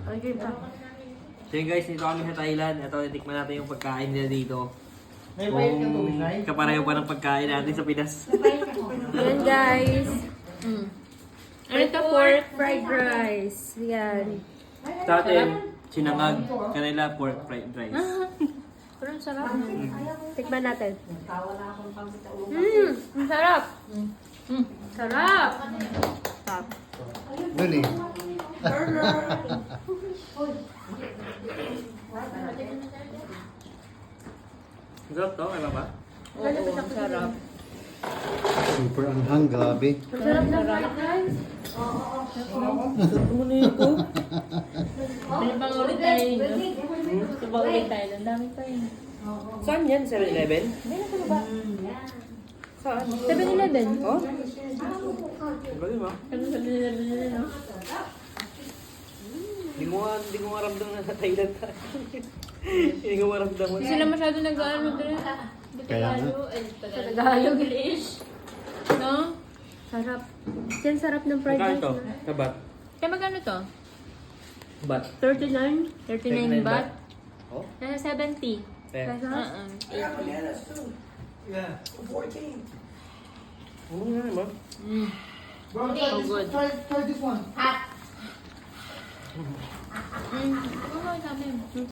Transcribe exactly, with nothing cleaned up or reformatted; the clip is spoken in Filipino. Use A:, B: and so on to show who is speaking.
A: Okay pa.
B: So yun guys, dito kami sa Thailand. Ito, itikman natin yung pagkain nila dito.
C: May bayad ka to, Nay?
B: Kung kapareho pa ng pagkain natin sa Pinas.
A: Yan guys.
D: Mm. Ano ito? Pork?
A: Fried rice. Yan.
B: Sa atin, sinangag. Kanila, pork fried rice.
D: Pero ang sarap.
A: Tikman natin.
D: Mmm! Ang sarap! Mm. Sarap!
A: Sarap.
C: Dali.
B: Sarap to, kaya ba?
D: Oo, ang sarap.
C: Super anghang, grabe.
A: Ang sarap ng fried rice.
D: Ano bang ulit tayo yun? Subang ulit tayo. Ang dami pa yun.
B: Saan yan? seven eleven?
D: Hindi na sa baba.
A: Saan?
D: seven eleven.
B: Oh? Galing ba?
D: Ano sa seven eleven nila, no?
B: Hindi ko nga, hindi ko maramdam na sa Thailand tayo. Hindi ko maramdam.
D: Hindi sila masyado nag-ano din.
C: Kaya nga.
D: Sa Tagalog, English. No?
A: Sarap. Yan sarap ng fried
B: Magkano
A: rice.
B: to?
A: na.
B: Kabat?
D: Kaya magkano to?
B: Bat?
A: thirty-nine
D: thirty-nine baht?
B: Oh?
D: Nasa seventy.
B: Fair.
A: pesos.
D: Uh-uh.
B: Oo nga naman.
D: Mm. So good.
C: Try, try this one.
D: Mm. Ano ba sabi?